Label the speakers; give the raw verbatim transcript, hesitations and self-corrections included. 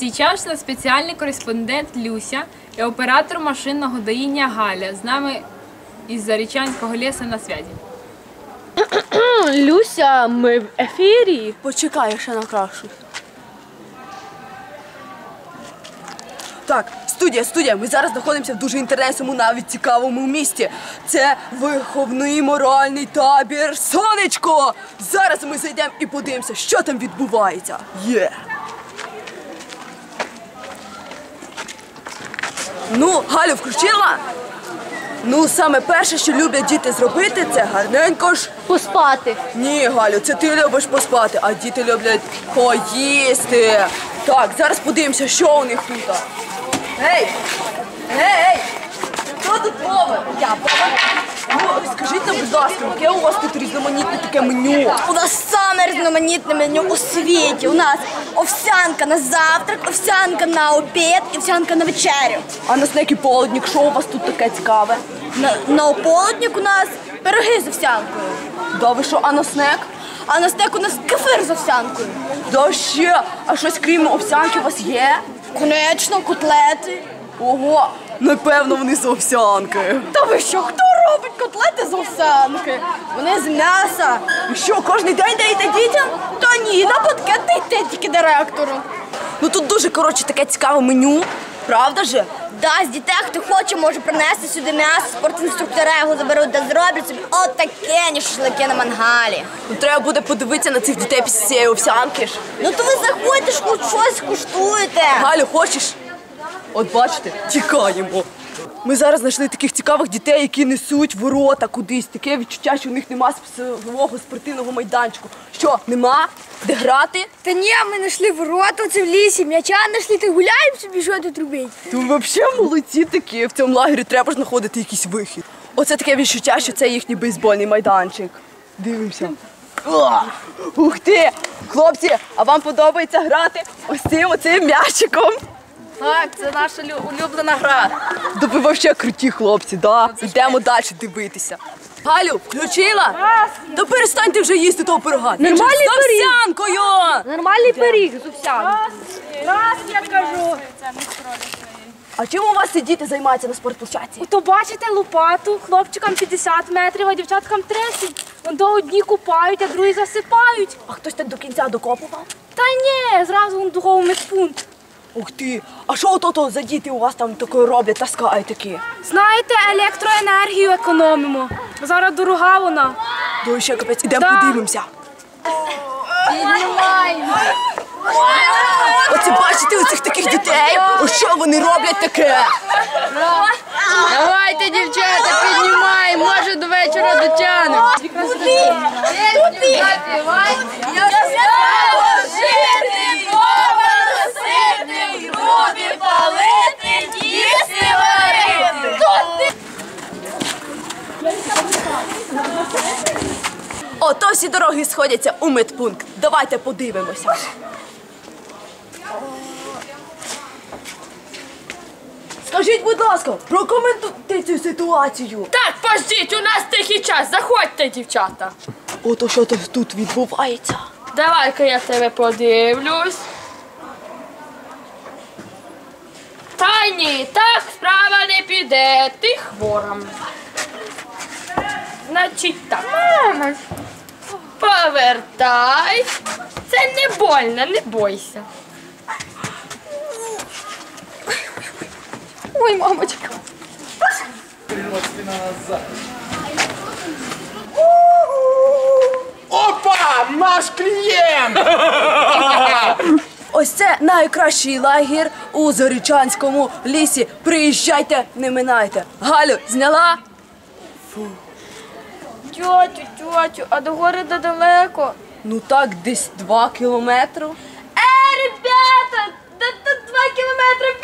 Speaker 1: сейчас наш спеціальний кореспондент Люся і оператор машинного доїння Галя. З нами із Зарічанського лісу на зв'язі.
Speaker 2: Люся, ми в ефірі.
Speaker 3: Почекай, я ще накрашу. Так, студія, студія, ми зараз знаходимося в дуже інтересному, навіть цікавому місті. Це виховний моральний табір «Сонечко». Зараз ми зайдемо і подивимося, що там відбувається. Є! Ну, Галю включила? Ну, саме перше, що люблять діти зробити, це гарненько ж...
Speaker 2: Поспати.
Speaker 3: Ні, Галю, це ти любиш поспати, а діти люблять поїсти. Так, зараз подивимося, що у них тут. Гей! Гей! Хто тут повар? Я повар. Ну, скажіть нам, будь ласка, яке у вас тут різноманітне таке меню?
Speaker 4: У нас саме різноманітне меню у світі. У нас овсянка на завтрак, овсянка на обід і овсянка на вечерю.
Speaker 3: А на снеки полудник, що у вас тут таке цікаве?
Speaker 4: На, на ополудник у нас пироги з овсянкою.
Speaker 3: Да ви що, а на снек?
Speaker 4: А на стек у нас кефир з овсянкою.
Speaker 3: Да ще, а щось крім овсянки у вас є?
Speaker 4: Конечно, котлети.
Speaker 3: Ого, напевно вони з овсянки.
Speaker 4: Та ви що, хто робить котлети з овсянки? Вони з м'яса.
Speaker 3: І що, кожен день даєте дітям?
Speaker 4: Та ні, на банкет дайте тільки директору.
Speaker 3: Ну тут дуже, коротше, таке цікаве меню, правда же?
Speaker 4: Да, з дітей, хто хоче, може принести сюди м'ясо, спортінструктори його заберуть та зроблять собі отакені шашлики на мангалі.
Speaker 3: Ну треба буде подивитися на цих дітей після цієї овсянки ж.
Speaker 4: Ну то ви заходьте ж, хоч щось куштуєте.
Speaker 3: Галю, хочеш? От бачите, тікаємо. Ми зараз знайшли таких цікавих дітей, які несуть ворота кудись. Таке відчуття, що у них нема свого спортивного майданчику. Що, нема? Де грати?
Speaker 4: Та ні, ми знайшли ворота оце в лісі, м'яча знайшли, та гуляємо собі, що тут робити.
Speaker 3: То ви взагалі молодці такі. В цьому лагері треба ж знаходити якийсь вихід. Оце таке відчуття, що це їхній бейсбольний майданчик. Дивимося. О, ух ти! Хлопці, а вам подобається грати ось цим оцим м'ячиком?
Speaker 2: Так, це наша улюблена гра.
Speaker 3: Да ви взагалі круті хлопці, да? Йдемо далі дивитися. Галю, включила? Та перестаньте вже їсти того пирога.
Speaker 2: Нормальний
Speaker 3: з
Speaker 2: пиріг.
Speaker 3: овсянкою!
Speaker 2: Нормальний пиріг з овсянкою.
Speaker 1: Раз, я кажу.
Speaker 3: А чим у вас ці діти займаються на спортплощадці?
Speaker 5: То бачите лопату, хлопчикам п'ятдесят метрів, а дівчаткам тридцять. Вон одні купають, а другі засипають.
Speaker 3: А хтось так до кінця докопував?
Speaker 5: Та ні, зразу вон духовий медпункт.
Speaker 3: Ух ти, а що ото за діти у вас там таке роблять, таскають такі?
Speaker 5: Знаєте, електроенергію економимо. Зараз дорога вона.
Speaker 3: Ну ще капець, ідемо
Speaker 5: Да.
Speaker 3: подивимося. Оце бачите у цих таких дітей? Ось що вони роблять таке?
Speaker 2: Давайте, дівчата, піднімаємо, може до вечора дотягнемо.
Speaker 4: Куди? Куди? Руби палити, їсти варити.
Speaker 3: Ото всі дороги сходяться у медпункт. Давайте подивимося. Скажіть, будь ласка, прокоментуйте цю ситуацію.
Speaker 2: Так, пождіть, у нас тихий час, заходьте, дівчата.
Speaker 3: Ото що тут відбувається.
Speaker 2: Давай-ка я тебе подивлюсь. Та ні, так справа не піде, ти хвора. Значить так. Повертай. Це не больно, не бойся.
Speaker 5: Ой, мамочка.
Speaker 6: Опа! Наш клієнт!
Speaker 3: Ось це найкращий лагір у Зарічанському лісі. Приїжджайте, не минайте. Галю, зняла?
Speaker 5: Тьотю, тьотю, а до гори далеко.
Speaker 3: Ну так, десь два кілометри.
Speaker 5: Е, ребята, тут два кілометри